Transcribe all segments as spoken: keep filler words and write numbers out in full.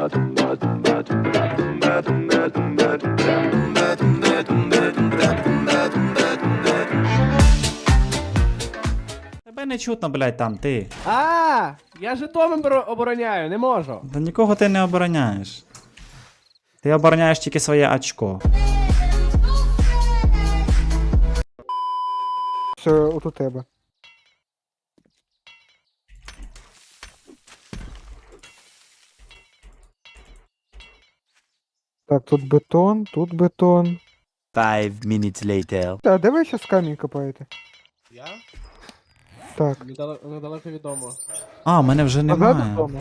Тебе не чутно, блядь, там, ти. А, я Житомир оборо- обороняю, не можу. Та нікого ти не обороняєш. Ти обороняєш тільки своє очко. Все, от у тебе. Так, тут бетон, тут бетон. Five minutes later. А де ви ще з камінь копаєте? Я? Так. Недалеко, недалеко відомо. А, мене вже Назад немає. додому.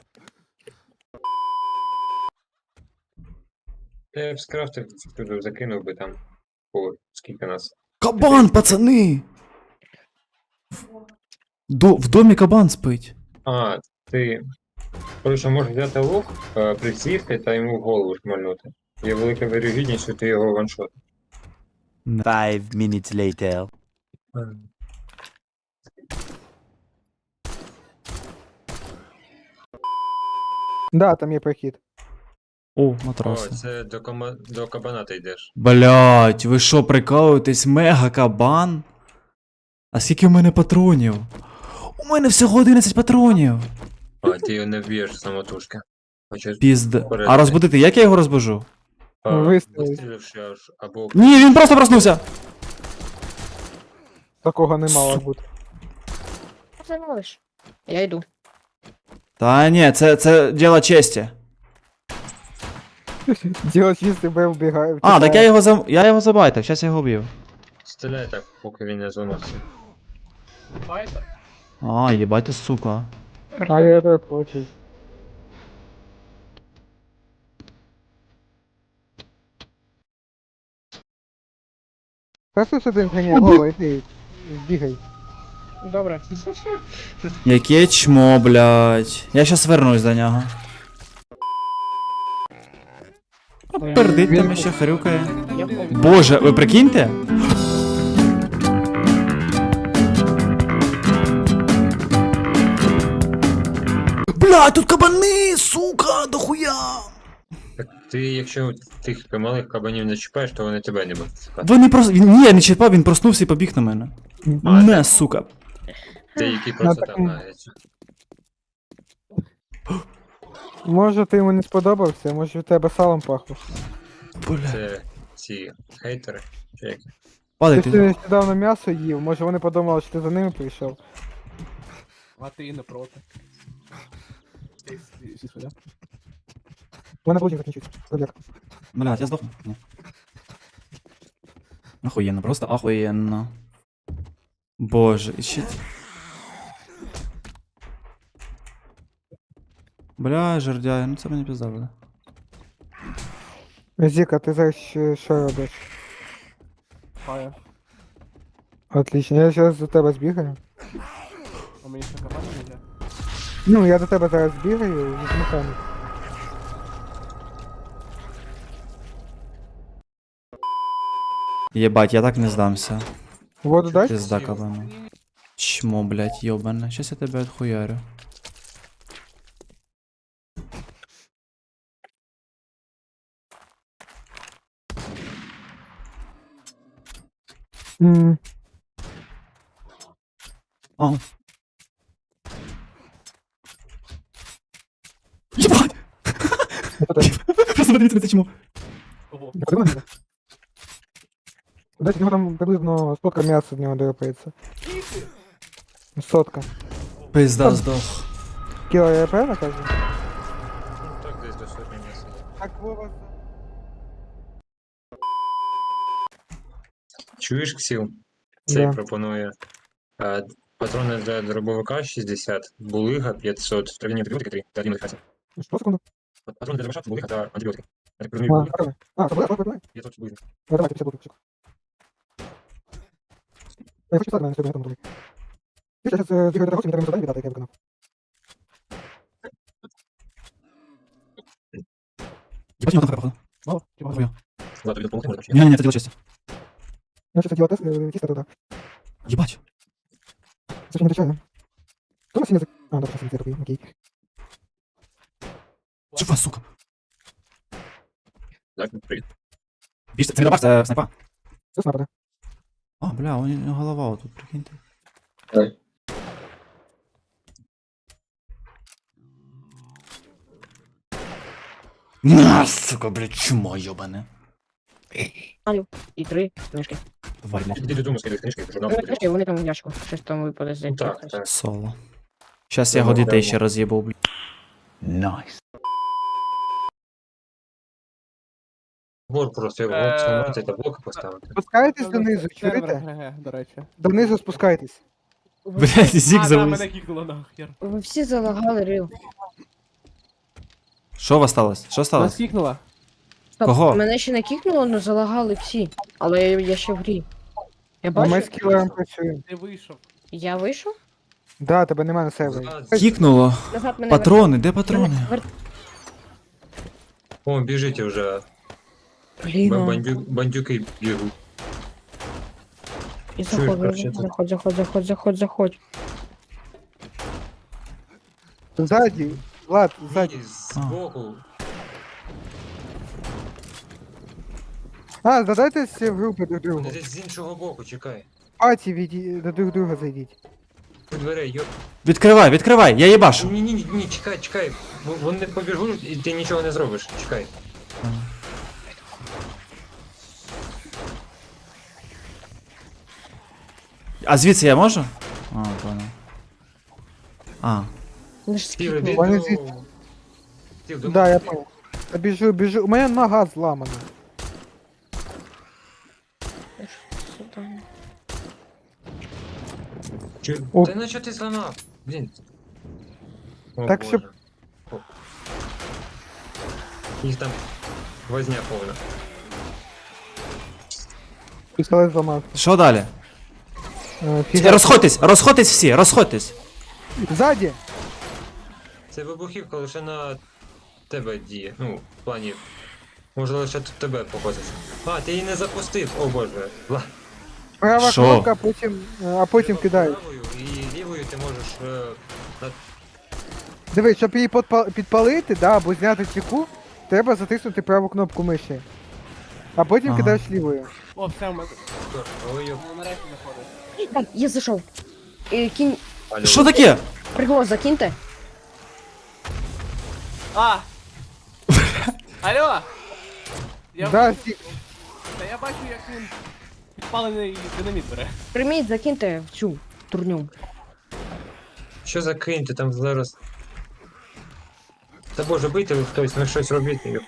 Я б скрафтив, туди закинув би там. О, скільки нас. Кабан, пацани! До, в домі кабан спить. А, ти. Коротше, можеш взяти лук, е, присісти та йому в голову шмальнути. Є велика вирогідність, що ти його ваншот. Five minutes later. Да, там є прохід. О, О, матроси. це до, кома... до кабана ти йдеш. Блять, ви що, прикалуєтесь? Мега кабан? А скільки в мене патронів? У мене всього одинадцять патронів. А, ти його не вб'єш самотужки. Хоча Пізда. Порядок. А розбудити, як я його розбужу? а, Вистрілив. вистріливши аж або. Ні, він просто проснувся! Такого не мало бути. Ти малиш? Я йду. Та ні, це, це діло честі. Діло чисте, бе вбігає. А, так я його за... я його забайтив, зараз я його б'ю. Стріляй так, поки він не зламався. Файтер? А, їбать ти, сука. А я так хочу. Просто сюди ганяй, голо, іди, бігай. Добре. Яке чмо, блядь. Я щас вернусь до нього. А пердить там ще хрюкає. Я помню. Боже, ви прикиньте? Блядь, тут кабани, сука, дохуя. Так ти, якщо тих малих кабанів не чіпаєш, то вони тебе не будуть чіпати. Вони просто... Він, ні, не чіпав, він проснувся і побіг на мене. А, Не, сука. Деякі просто так, там м. нагаються. Може ти йому не сподобався, може від тебе салом пахло. Бля. Це ці хейтери. Чи як? Ти Падай ж ти. нещодавно м'ясо їв, може вони подумали, що ти за ними прийшов. А ти і не проти. Ти всі- всі сюди. У мене блудник закінчився. Забіг. Блядь, я здохну. Ні. Охуєнно, просто охуєнно. Боже, і ще... Бля, жердяй, ну це мені пізда буде. Зіка, ти зараз що, що робиш? Фаєр. Отлично, я зараз до тебе збігаю. А мені ще кабан не йде. Ну, я до тебе зараз збігаю, візьму камінь. Єбать, я так не здамся. Воду дай? Пизда кабану. Чмо, блядь, ёбане. Щас я тебе отхуярю. М, А. Єбать! це ти. Просто подивіться на це чмо. Ого. Я подумав, ні? Десь в нього там приблизно сотка м'яса з нього драпається. Сотка. Пизда здох. Кіло я правильно кажу? Ну так, десь до сотні м'яса. Так, Вова. Чуєш, Ксіл? Цей Да. пропонує е, патрони для дробовика шістдесят, булига п'ятсот, трав'яні антибіотики три та рівних. Що, секунду? Патрони для дробовика, булига та антибіотики. Я так А, розумію, булига давай. А, це буде, давай, давай. п'ятсот булига. Ну, давайте, п'ятдесят буде. Я хочу так, мене сьогодні готовий. Я зараз бігаю до гостя, мені треба завдання віддати, яке я виконав. Єбать, його там походу. Мало? Чи багато? Хуя. Ладно, тобі допомогти можна? Ні, ні, це діло честі. Я щось хотіла тест, е, тісто туди. Єбать. Це ж не дочаю. Хто на сіні зак... А, добре, сіні такий, окей. Це Курва, сука. Так, привіт. Біж, це не бабаш, це снайпа. Це снайпер. А, бля, у нього голова отут, прикиньте. Дай. На, сука, блядь, чмо йобане. І три книжки. Тварь мах. Іди додому, скидай книжки, журнал. Ну, книжки, вони там в ящику. Щось там випаде з Ну так, якогось. так. Соло. Щас я його дітей ще роз'їбав, блядь. Nice. Бор просто його Е, сломати та блоки поставити. Спускайтесь донизу, Сервер чуєте? ГГ, до речі. Донизу спускайтесь. Блядь, зік А, да, завис. мене кікнуло нахер. Ви всі залагали рил. Що у вас сталося? Що Нас сталося? кікнуло. Стоп, Кого? Мене ще не кікнуло, але залагали всі. Але я, я ще в грі. Я А ми бачу, з кілером працюємо. Ти вийшов. я вийшов. Да, тебе нема на сервері. Кікнуло. Назад мене Патрони, де вер- патрони? мене вер- О, біжіть вже. Блін, Б- а. бандю- Бандюки бігуть. І Чуєш, заходь, короче, заходь, заходь, заходь, заходь, заходь. Ззаді, Влад, ззаді. Ні, збоку. А, задайтесь в групи друг другу. Вони десь з іншого боку, чекай. Паті віді... до друг друга зайдіть. У дверей, йоп. Відкривай, відкривай, я їбашу. Ні, ні, ні, ні, чекай, чекай. Бо Вони побіжуть і ти нічого не зробиш. Чекай. А звідси я можу? А, понял. А. Вони ж Стів, скіпнули. іди Вони до... звідти. Стів, до Да, я мене. понял. Я біжу, біжу. У мене нога зламана. Сюди. Чи- О. Та на що ти зламав? Блін. О, Так, Боже. щоб- О. Їх там возня повна. Пістолет зламав. Що далі? Е, фіга. Розходьтесь, розходьтесь всі, розходьтесь. Ззаді! Це вибухівка лише на тебе діє. Ну, в плані. Може лише тут тебе походить. А, ти її не запустив, о боже. Ла. Права Що? кнопка, а потім, е, а потім кидають. Правою і лівою ти можеш. Е, на... Дивись, щоб її подпа- підпалити, да, або зняти чеку, треба затиснути праву кнопку миші. А потім Ага. кидаєш лівою. О, все, ми Ой, йоп. ну, нарешті заходить. Так, я зайшов. Е, Кінь. Алло. Що таке? Приголос закиньте. А! Алло! Я, Да, сі- Та я бачу, як він підпалений динаміт бере. Прийміть, закиньте в цю турню. Що за кинь, ти там зараз. Та боже, бийте ви хтось, ну щось робити. йоп.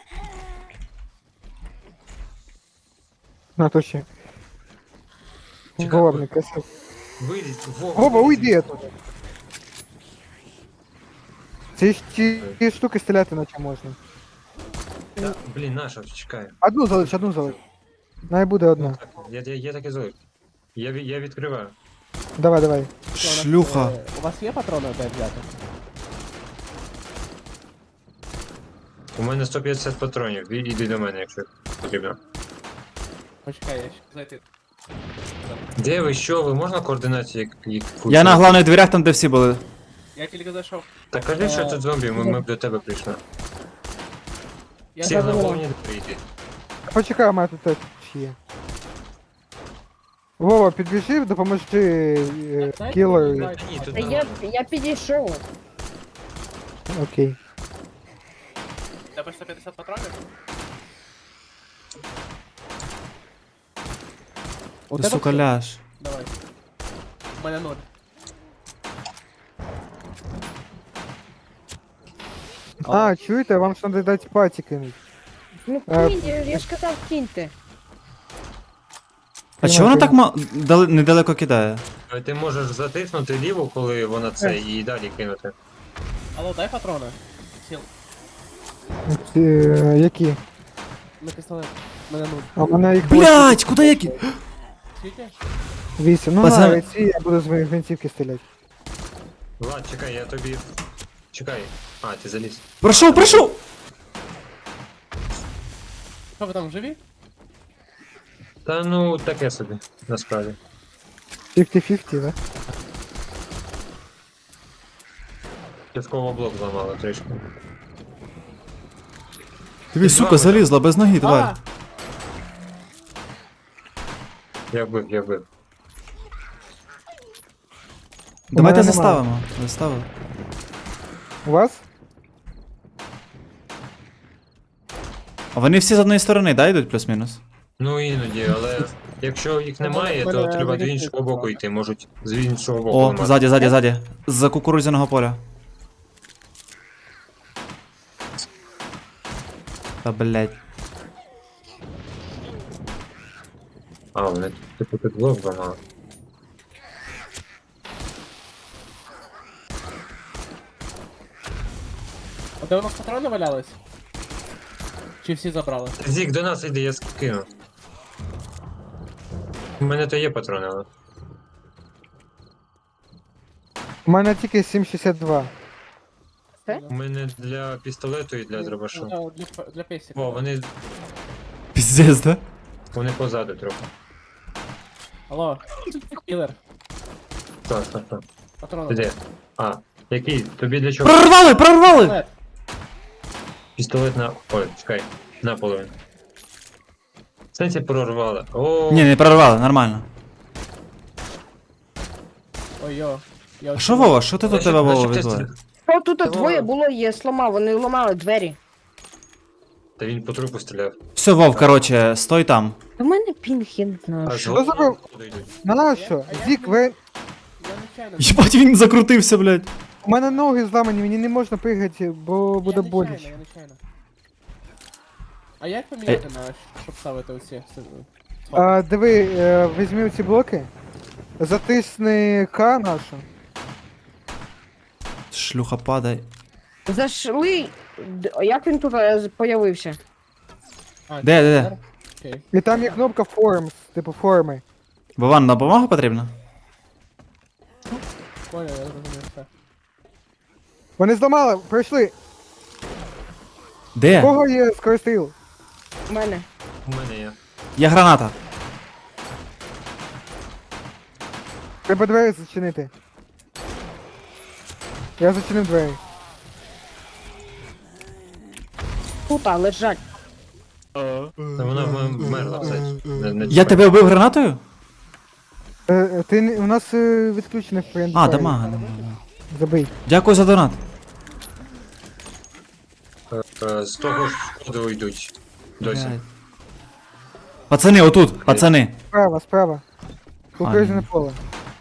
на то ще. Чекай, Вова, бо- не красиво. Вилізь, Вова. Вова, вилізь. уйди оттуда. Ці, ж- ці, ці штуки стріляти наче можна. Та, блін, наша, чекай. Одну залиш, одну залиш. Най буде одна. Так, я, я, я так і злий. Я, ві- я відкриваю. Давай, давай. Шлюха. Е, У вас є патрони де взяти? У мене сто п'ятдесят патронів. І- Іди до мене, якщо потрібно. Почекай, я ще зайти. Де ви, що ви? Можна координацію як, як Я на главних дверях там, де всі були. Я тільки зайшов. Та кажи, що тут зомбі, ми, ми б до тебе прийшли. Я Всі на забула. головні прийти. Почекай, у мене тут теж є. Вова, підбіжи, допоможи е, кілеру. Та ні, тут Та я, нормально. я підійшов. Окей. У тебе сто п'ятдесят патронів? У Ти, тебе сука, все? ляж. Давай. У мене ноль. А, чуєте, вам ж треба дати паті кинуть. Ну Е, кинь, я, я ж казав, киньте. А чого вона так ма... дали- недалеко кидає? Е, Ти можеш затиснути ліву, коли вона це, і далі кинути. Алло, дай патрони. Сіл. Е, які? На пістолет. У мене нуль. А в мене їх Блять, куди я ки... Скільки? вісім. Ну Пацан- на ці я буду з моїх гвинтівки стріляти. Влад, чекай, я тобі. Чекай. А, ти заліз. Пройшов, пройшов! Що ви там живі? Та ну, таке собі, насправді. п'ятдесят п'ятдесят, да? Частково блок зламало трішки. Дивись, Ти сука, два залізла без ноги, А, тварь. Я вбив, я вбив. Давайте мене заставимо. Заставимо. У вас? А вони всі з одної сторони, да, йдуть плюс-мінус? Ну іноді, але якщо їх немає, Мене- то мене треба до не іншого відкрито. боку йти, можуть з іншого боку. О, ламати. ззаді, ззаді, ззаді. З-за кукурудзяного поля. Та блять. А, вони типу під блок ламали. а де у нас патрони валялись? Чи всі забрали? Зік, до нас іди, я скину. У мене то є патрони, але. У мене тільки сім шістдесят два. У мене для пістолету і для Ну, дробашу. да, Для, для песика. О, вони, Піздець, да? вони позаду трохи. Алло, кілер, Так, так, так. патрони. Ти де? А, який? Тобі для чого? Прорвали, прорвали! Пістолет. Пістолет на. Ой, чекай, наполовину. В сенсі прорвали. О, Ні, не прорвали, нормально. Ой, йо. Я А що, Вова, що ти до Значить- тебе, Вова, значить, відбувається? О, тут Та двоє Вова. було, є сломав, вони ламали двері. Та він по трупу стріляв. Все, Вов, короче, стой там. У мене пінг, я не знаю. А що. з забив? головного входу йдуть. На що? Зік, ви... Я нечайно. Єбать, він закрутився, блядь. У мене ноги зламані, мені не можна пригати, бо буде я боляче. нечайно, я нечайно. А як поміняти на, щоб ставити оці? А, диви, е, візьми ці блоки, затисни К нашу. Шлюха падай. Зайшли. Д- Як він тут е, з- появився? А, Де, де, де? Окей. І там є кнопка Forms, типу форми. Вован, допомога потрібна? Понял, я зрозумів все. Вони зламали, пройшли. У Де? кого є скоростріл? У мене. У мене є. Є граната. Треба двері зачинити. Я зачинив двері. Тут, а, лежать. Та вона в- вмерла, кстати. Не- не Я чіпай. тебе вбив гранатою? Е, е, ти не- у нас е, відключений френд. А, дамага, дамага. Забий. Дякую за донат. Е, З того ж входу йдуть. Досі. Блядь. Пацани, отут, пацани. Справа, справа. Кукурузне ні. поле.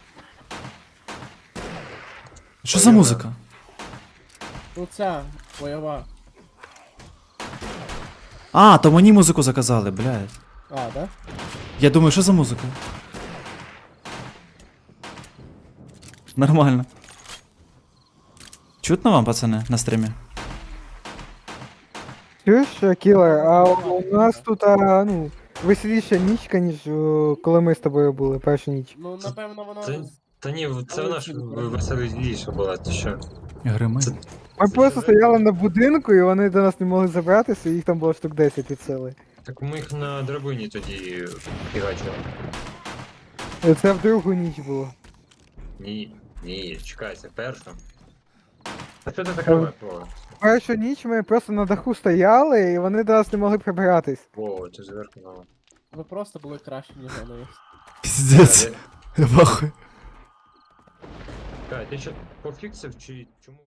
Що за музика? Ну ця, бойова. А, то мені музику заказали, блядь. А, да? Я думаю, що за музика? Нормально. Чутно вам, пацани, на стрімі? Чуєш, е, кілер, а у нас тут, а, ну, веселіша нічка, ніж о, коли ми з тобою були, першу ніч. Ну, напевно, воно... Це, та ні, це вона ж веселіша була, ти що? Грими. Це- Ми просто стояли на будинку, і вони до нас не могли забратися, і їх там було штук десять від сили. Так ми їх на драбині тоді фігачили. І це в другу ніч було. Ні, ні, чекай, це перша. А що ти закриваєш, Вова? Першу ніч ми просто на даху стояли, і вони до нас не могли прибиратись. Вова, ти зверху мало. Ви просто були краще, ніж вони. Піздець. Я бахую. Чекай, ти що пофіксив чи чому?